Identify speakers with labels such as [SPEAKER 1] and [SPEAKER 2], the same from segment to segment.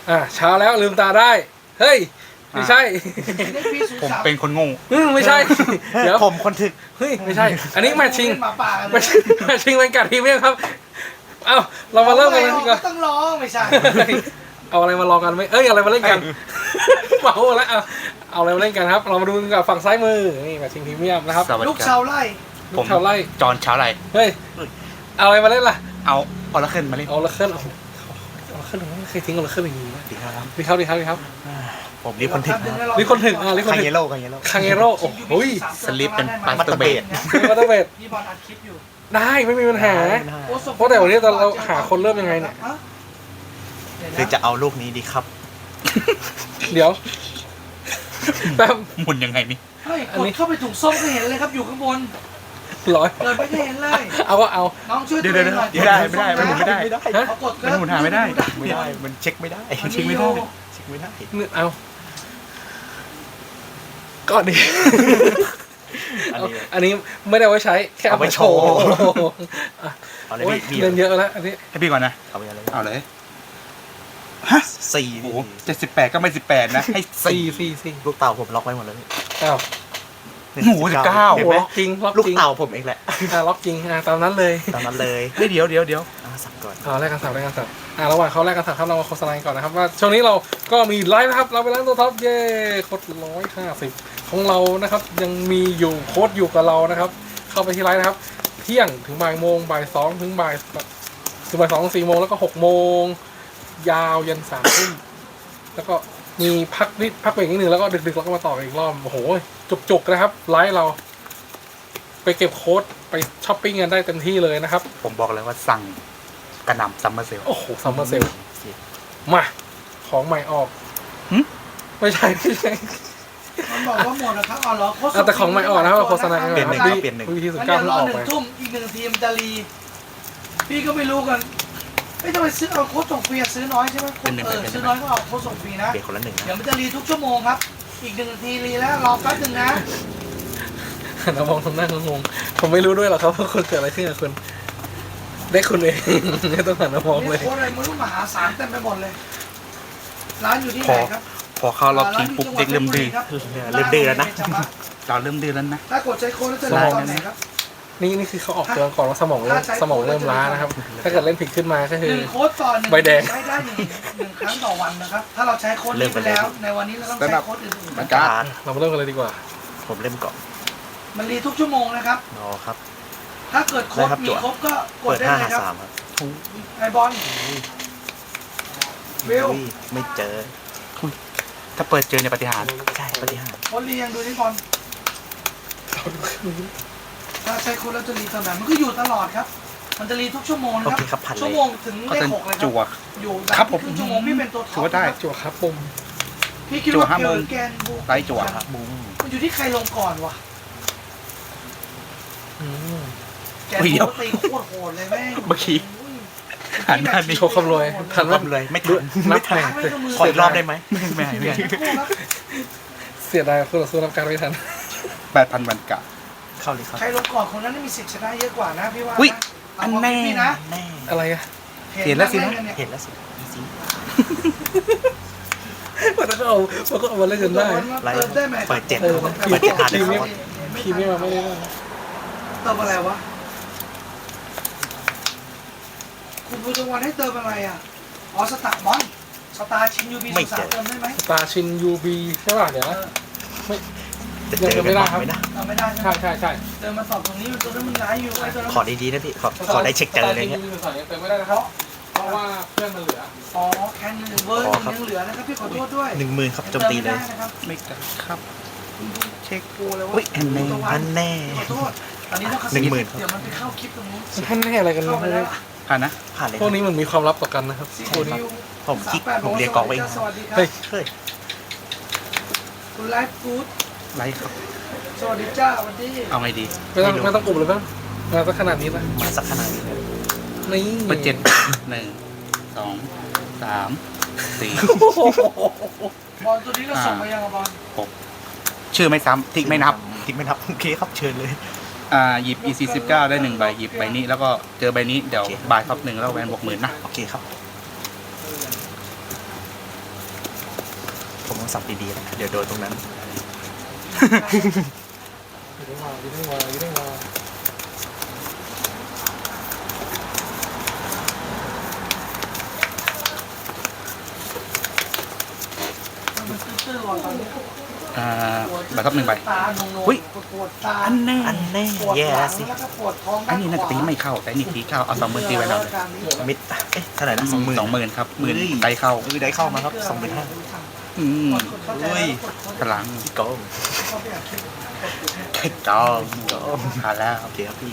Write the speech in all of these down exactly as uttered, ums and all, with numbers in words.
[SPEAKER 1] อ่าเช้าแล้วลืมตาได้เฮ้ยไม่ใช่
[SPEAKER 2] ผมเป็นคนโง่
[SPEAKER 1] อืมไม่ใช่เดี๋ยว
[SPEAKER 3] ผมคนถึก
[SPEAKER 1] เฮ้ยไม่ใช่ อันนี้แมทชิง
[SPEAKER 4] หมาป่ากันเล
[SPEAKER 1] แม
[SPEAKER 4] ย
[SPEAKER 1] ทชิงแมทชิงเป็นการทีมเมครับเอ้าเรามาเริ่มกันเลยดีกว่า
[SPEAKER 4] ต้องร้องไม่ใช่
[SPEAKER 1] เอาอะไรมาลองกันไหมเอ้ยเอาอะไรมาเล่นกันเมาแล้วเอาเอาอะไรมาเล่นกันครับ เรามาดูกันกับฝั่งซ้ายมือนี่แมทชิงพรีเมียมนะครับ
[SPEAKER 2] สวัส
[SPEAKER 4] ลู
[SPEAKER 2] ดี
[SPEAKER 4] ก
[SPEAKER 2] ค
[SPEAKER 4] ชา
[SPEAKER 2] รับ
[SPEAKER 4] วไร่
[SPEAKER 1] ลูกชาวไร่
[SPEAKER 2] จอนเช้าไร
[SPEAKER 1] เฮ้ยเอาอะไรมาเล่นล่ะ
[SPEAKER 2] เอาออร์เคิลมาเล่น
[SPEAKER 1] เอาละเคลื่อนเอาเอาละเคลื่อนไม่เคยทิ้งเอาละเคลื่อนอย่างนี้นะ
[SPEAKER 3] ดีครับ
[SPEAKER 1] ดีครับดีครับดีครับ
[SPEAKER 3] ผมรีบคนถึกนะ
[SPEAKER 1] รีคนถึงอ่ารีคน
[SPEAKER 3] คัง
[SPEAKER 1] ถึง
[SPEAKER 3] เยโร่คังเยโร่
[SPEAKER 1] คังเอโร่โอ้โหย
[SPEAKER 2] สลิปเป็นปาสเตอร์เบด
[SPEAKER 1] มีวัตเตอร์เบด
[SPEAKER 4] พี่บอลอัดคลิปอยู่
[SPEAKER 1] ได้ไม่มีปัญหา
[SPEAKER 4] โอ้ส่ง
[SPEAKER 1] เพราะแต่วันนี้เราหาคนเริ่มยังไงเนี่ย
[SPEAKER 4] ฮะ
[SPEAKER 3] หรือจะเอาลูกนี้ดีครับ
[SPEAKER 1] เดี๋ยวแป๊บ
[SPEAKER 2] หมุนยังไงนี่
[SPEAKER 4] เฮ้ย
[SPEAKER 1] อัน
[SPEAKER 4] ก
[SPEAKER 1] นี้
[SPEAKER 4] ดเข้าไปถุงส้มก็เห็นเลยครับอยู่ข้างบน
[SPEAKER 1] ร้อย
[SPEAKER 4] เปิดไปก็เห็นเลย
[SPEAKER 1] เอาก็เอา
[SPEAKER 4] น้องช่วย
[SPEAKER 2] เดี๋ยว
[SPEAKER 4] ตั
[SPEAKER 2] เดี๋ยว
[SPEAKER 4] องหน่อย
[SPEAKER 2] ไม่ได้ไม่ได้มันหมุนไม่ได้
[SPEAKER 1] ฮะ
[SPEAKER 4] เขากด
[SPEAKER 2] มันหมุนหาไม่ได้
[SPEAKER 3] ไม่ได้ มันเช็คไม่ได้
[SPEAKER 4] มัน
[SPEAKER 2] เช็คไม่ได้
[SPEAKER 3] เช็คไม่ได้
[SPEAKER 1] นี่เอาก่อนดิ
[SPEAKER 3] อันนี้
[SPEAKER 1] อันนี้ไม่ได้ไว้ใช้แค่เอาไปโชว์
[SPEAKER 3] เอาเลย
[SPEAKER 1] โอ้ย
[SPEAKER 3] พี่
[SPEAKER 1] เล่นเยอะแล้วอันนี้
[SPEAKER 2] ให้พี่ก่อนนะ
[SPEAKER 3] เอาไปอะไร
[SPEAKER 2] เอาเลย
[SPEAKER 3] สี่
[SPEAKER 2] โอ้โหเจ็ดสิบแปดก็ไม่สิบแปดนะ ให้
[SPEAKER 1] สี่
[SPEAKER 2] สี่
[SPEAKER 1] สี่สี่
[SPEAKER 3] ลูกเต่าผมล็อกไว้หมดแล้ว
[SPEAKER 1] อ้าว
[SPEAKER 2] โอ้โหสิบเก้า
[SPEAKER 3] เห็น
[SPEAKER 1] โอ้
[SPEAKER 3] ไหม
[SPEAKER 1] ล็อกจริงล็อก
[SPEAKER 3] ลูก
[SPEAKER 1] จริง
[SPEAKER 3] เต่าผมเองแหละ
[SPEAKER 1] อ่าล็อกจริงอ่าตามนั้นเลย
[SPEAKER 3] ตามนั้นเลย
[SPEAKER 2] เฮ้ยเดี๋ยวเดี๋ยวเดี๋ยว
[SPEAKER 3] อ่าสั่งก่อน
[SPEAKER 1] เอาแรกกันสับแรกกันสับอ่าระหว่างเขาแรกกันสับครับเรามาโฆษณาก่อนนะครับว่าช่วงนี้เราก็มีไลฟ์นะครับเราไปร้านตัวท็อปเย่โค้ดร้อยห้าสิบของเรานะครับยังมีอยู่โค้ดอยู่กับเรานะครับ เข้าไปที่ไลฟ์นะครับ เที่ยงถึงบ่ายโมงบ่ายสองถึงบ่ายถึงบ่ายสองถึงสี่โมงแล้วก็หกโมงยาวยันสามทุ่มแล้วก็มีพักนิดพักเบรกนิดนึงแล้วก็ดึกๆแล้วก็มาต่ออีกรอบโอ้โหจุกๆนะครับไลฟ์เรา ไปเก็บโค้ดไปช้อปปิ้งกันได้เต็มที่เลยนะครับ
[SPEAKER 2] ผมบอกเลยว่าสั่งกระหน่ำซัมเมอร์เซล
[SPEAKER 1] โอ้โหซัมเมอร์เซลมาของใหม่ออก
[SPEAKER 2] หึ
[SPEAKER 1] ไม่ใช่ไม่ใช่
[SPEAKER 4] มันบอกว่าหมดนะครับอ๋อเหรอโค้ด
[SPEAKER 1] เอาแต่ของใหม่ออกนะครับโฆษณากัน
[SPEAKER 3] เปลี่ยนหนึ่ง
[SPEAKER 1] วี
[SPEAKER 3] ครับเปลี่ยนหนึ่ง
[SPEAKER 1] วีทีสิบ
[SPEAKER 4] มัน
[SPEAKER 1] เก้า
[SPEAKER 4] เดี๋ยว
[SPEAKER 1] เพิ่ง
[SPEAKER 4] รอ
[SPEAKER 1] ออก
[SPEAKER 4] หนึ่
[SPEAKER 1] ไป
[SPEAKER 4] งทุ่มอีกหนึ่งทีมจะรีพี่ก็ไม่รู้กันไม่ต้องไปซื้อเอาโค้ดส่งฟรีอะซื้อน้อยใช่ไหมโค้ดเออซื้อน้อยก็เอาโค้ดส่งฟรีนะ
[SPEAKER 3] เปลี่ยนคนละหนึ่งนะ
[SPEAKER 4] เดี๋ยวมันจะรีทุกชั่วโมงครับ อีกหนึ่งนาทีรีแล้วรอแป๊บหนึงนะ
[SPEAKER 1] เรามองทำหน้างงๆผมไม่รู้ด้วยหรอกครับว่าคุณเกิดอะไรขึ้นกับคุณได้คุณเอง ไม่ต้องหันมามองเลย
[SPEAKER 4] นี่โค้ดอะไรไม่รู้มหาศาลเต็มไปหมดเลย ร้านอยู่ที่ไหนครับ
[SPEAKER 2] พอเข้ารอบชิงปุ๊บเด็กเริ่มดื้อ
[SPEAKER 3] เริ่มดื้อแล้วนะ
[SPEAKER 2] เราเริ่มดื้อแล้วนะ
[SPEAKER 4] ถ้ากดใช้โค้ดแล้วจะ
[SPEAKER 1] ส
[SPEAKER 4] รี
[SPEAKER 1] มอง
[SPEAKER 4] ตอนไหนครับ
[SPEAKER 1] นี่นี่คือเขาออกเตือนก่อนว่าสมองเริ่มสมองเริ่มล้านะครับ ถ้าเกิดเล่นผิดขึ้นมาก็
[SPEAKER 4] ห
[SPEAKER 1] คือ
[SPEAKER 4] นึ่งโค้ดต่อหนึ่ง
[SPEAKER 1] ใบแดง
[SPEAKER 4] ใช้ได้หนึ่งหนึ่งครั้งต่อวันนะครับ ถ้าเราใช้โค้ดนี้ไปแล้ว ในวันนี้เราต้องใช้โค้ดอื่นๆ
[SPEAKER 2] มัน
[SPEAKER 4] นะ
[SPEAKER 2] ก็
[SPEAKER 3] การ์ด
[SPEAKER 1] เรามาเริ่มกันเลยดีกว่า
[SPEAKER 3] ผมเล่มก่อน
[SPEAKER 4] มันรีทุกชั่วโมงนะครับ
[SPEAKER 3] รอครับ
[SPEAKER 4] ถ้าเกิดครบ
[SPEAKER 3] ได้ครับ
[SPEAKER 4] มี
[SPEAKER 3] จั่ว
[SPEAKER 4] ครบก็กด
[SPEAKER 3] เปิด
[SPEAKER 4] ได้
[SPEAKER 3] ห้า
[SPEAKER 4] เล
[SPEAKER 3] หาย
[SPEAKER 4] ครับ
[SPEAKER 3] สามครับ
[SPEAKER 4] ไอบอลวิว
[SPEAKER 3] อุ้ยไม่เจอ
[SPEAKER 2] ถ้าเปิดเจอในปฏิหารย์
[SPEAKER 3] ใช่ปฏิหารย์
[SPEAKER 4] โค้ดรียังดูนี่บอลถ้าใช้โค้ดแล้วจะรีตอนไหนมันก็อยู่ตลอดครับ มันจะรีทุกชั่วโมงนะ
[SPEAKER 3] โอ
[SPEAKER 4] ครับ
[SPEAKER 3] เคครับพันเล
[SPEAKER 4] ชั่วย โมงถึง
[SPEAKER 2] ก็
[SPEAKER 4] เลข
[SPEAKER 2] จะ
[SPEAKER 4] หกเลยค
[SPEAKER 2] จั่ว
[SPEAKER 4] รับอยู่
[SPEAKER 2] ครับผม
[SPEAKER 4] ครึ่งชั่วโมงพี่เป็นตัวท็
[SPEAKER 2] ถื
[SPEAKER 4] อ
[SPEAKER 2] อ
[SPEAKER 4] ป
[SPEAKER 2] ว่าได้
[SPEAKER 1] จั่วครับปุ่ม
[SPEAKER 4] พี่คิด
[SPEAKER 2] จั่ว
[SPEAKER 4] ว่า
[SPEAKER 2] ห้า
[SPEAKER 4] เกิ
[SPEAKER 2] โมง
[SPEAKER 4] ดแกนบู
[SPEAKER 2] ไล่จั่ว
[SPEAKER 3] บุ้ง
[SPEAKER 4] มันอยู่ที่ใครลงก่อนวะ
[SPEAKER 1] อืม
[SPEAKER 4] แกน
[SPEAKER 2] อุ้ยเดี๋ยว
[SPEAKER 4] บูตีโคตรโหดเลยแม่ง
[SPEAKER 2] เมื่อกี้หันหน้านี่
[SPEAKER 1] โชว์คำรวยทัน
[SPEAKER 3] ร
[SPEAKER 1] ว่า
[SPEAKER 3] อบเลยไม่ทัน
[SPEAKER 1] นั
[SPEAKER 3] ไม่
[SPEAKER 1] บ
[SPEAKER 3] ทัน
[SPEAKER 1] แทง
[SPEAKER 3] ขออีกรอบได้ไหม
[SPEAKER 2] ไม่ไม่ให้ไม่ให้
[SPEAKER 1] เสียดายคู่ต่อสู้รับการไม่ทัน
[SPEAKER 2] แปดพันวันกะ
[SPEAKER 3] เข้าเลยครับ
[SPEAKER 4] ใครลงก่อนคนนั้นมีสิทธิ์ชนะเยอะกว่านะพี่ว่า
[SPEAKER 2] อุ๊ย
[SPEAKER 4] นะ
[SPEAKER 2] อัน
[SPEAKER 4] เอา
[SPEAKER 2] แน่
[SPEAKER 4] ความคิดพี่นะ
[SPEAKER 3] แน่
[SPEAKER 1] อะไรอะ
[SPEAKER 2] เห็นแล้วสินะ
[SPEAKER 4] เห็น
[SPEAKER 3] เห็นแล้วสิอีซี่
[SPEAKER 1] มันก็เอามันก็เอามาเล่นจนได้
[SPEAKER 3] ไลฟ์
[SPEAKER 4] เติมได้ไหม
[SPEAKER 3] เปิดเจ็ด
[SPEAKER 1] เออ
[SPEAKER 3] เปิดเจ็ดอ่านเลย
[SPEAKER 1] ที
[SPEAKER 3] ค
[SPEAKER 1] ม
[SPEAKER 3] รับ
[SPEAKER 1] พี่ไม่มาไม่ได้นะ
[SPEAKER 4] เติมอะไรวะคุณบูตวันให้เติมอะไรอ่ะอ๋อสตาร์บอลสตาร์ชินยูบีสุสานเติมได้ไหม
[SPEAKER 1] ตาชินยูบีใช่ป่ะเดี๋ยวนะไม่
[SPEAKER 3] จะเจอกันบ้างไหมนะ
[SPEAKER 4] เติมไม่ได้ใช่ไหม
[SPEAKER 1] ใช่ใช่ใช่
[SPEAKER 4] เติมมาตอบตรงนี้มันตัวนั้นมันร้ายอยู่ไอ้ตัวนั้น
[SPEAKER 3] ขอดีๆนะพี่ ขอขอได้เช็คเจออะไรเงี้ย
[SPEAKER 1] ตาชินยูบีสุสานเติมไม่ได้นะครับเพราะว่าเพื่อนมันเหลือ
[SPEAKER 4] อ๋อแคนหนึ่งเวอร์ห
[SPEAKER 3] อ๋อ
[SPEAKER 4] นึ่ง
[SPEAKER 3] ครับ
[SPEAKER 4] ยังเหลือนะครับพี่ขอโทษด้วย
[SPEAKER 3] หนึ่งหมื่นครับโจมตีเลย
[SPEAKER 4] ติมไได้นะครับ
[SPEAKER 2] ไม่กะครับ
[SPEAKER 4] เช็คกูเลยว่า
[SPEAKER 2] อุ๊ยอันแน่
[SPEAKER 3] อันแน่
[SPEAKER 4] ขอโทษตอนนี้ต้อง
[SPEAKER 3] หนึ่งหมื่นครับ
[SPEAKER 4] เดี๋ยวมันไปเข้าคลิปตรงนู้น
[SPEAKER 1] ท่านแน่อะไรกัน
[SPEAKER 4] เข้าไป
[SPEAKER 1] เนี่
[SPEAKER 4] แล้
[SPEAKER 1] ยว
[SPEAKER 2] ผ่านนะ
[SPEAKER 3] ผ่านเลย
[SPEAKER 1] พวกนี้มันมีความลับต่อกันนะครับ
[SPEAKER 4] ซี
[SPEAKER 1] พวกนี้
[SPEAKER 4] คิว
[SPEAKER 3] ผมคิด
[SPEAKER 4] สาแปด
[SPEAKER 3] ผมเรียกกองไว้เอง
[SPEAKER 4] สวัสดีครับ
[SPEAKER 1] เฮ้ย
[SPEAKER 3] เฮ้ย
[SPEAKER 4] คุณไลฟ์ฟู้ด
[SPEAKER 2] ไลค์ครับ
[SPEAKER 4] สวัสดีจ้าวันนี้
[SPEAKER 2] เอาไงดี
[SPEAKER 1] ไม่ต้องไม่ต้องอุบเลยป่ะมาสักขนาดนี้ป่ะ
[SPEAKER 3] มาสักขนาดนี้เลย
[SPEAKER 1] นี่
[SPEAKER 2] เปิดเจ็ดหนึ่งสองสามสี่
[SPEAKER 4] บอลตัวนี้เราส่งไปยังอะบอล
[SPEAKER 2] ชื่อไม่ซ้ำทิกไม่นับ
[SPEAKER 3] ทิกไม่นับโอเคครับเชิญเลย
[SPEAKER 2] อ่าหยิบ อี ซี สิบเก้าได้หนึ่งใบหยิบใบนี้แล้วก็เจอใบนี้เดี๋ยวบายท็อปหนึ่งแล้วแวนบวกหมื่นนะ
[SPEAKER 3] โอเคครับผมต้องสับดีๆนะเดี๋ยวโดนตรงนั้น
[SPEAKER 1] อยู่ได้มาอยู่ได้มาอยู่ได้มา
[SPEAKER 4] มันตื้อๆก่อนตอนนี้
[SPEAKER 2] อ่าใบท็อปหนึ่งใบ
[SPEAKER 4] ตาโนงๆ
[SPEAKER 2] หุ้ย
[SPEAKER 4] ปวดตา
[SPEAKER 2] อันแน่
[SPEAKER 3] อันแน่
[SPEAKER 4] ปวด
[SPEAKER 3] แย่
[SPEAKER 4] หลั
[SPEAKER 3] แล้ว
[SPEAKER 4] ง
[SPEAKER 3] สิ
[SPEAKER 4] แล้วก็ปวดท้อง
[SPEAKER 2] อันนี้น่าจะตีไม่เข้าแต่อันนี่ตีเข้าเอาสองหมื่นตีไว้แล้ว
[SPEAKER 3] มิดเอ๊ะเท่าไหร่นะสองหมื่น
[SPEAKER 2] สองหมื่นครับหมื่น
[SPEAKER 3] เฮ้ย
[SPEAKER 2] ได้เข้า
[SPEAKER 3] เออได้เข้ามาครับสองหมื่นห้า
[SPEAKER 2] อืม
[SPEAKER 3] อุ้ย
[SPEAKER 2] พลัง
[SPEAKER 3] พี่โกง
[SPEAKER 2] ไข่จองผ่านแล้ว
[SPEAKER 3] โอเคครับพี่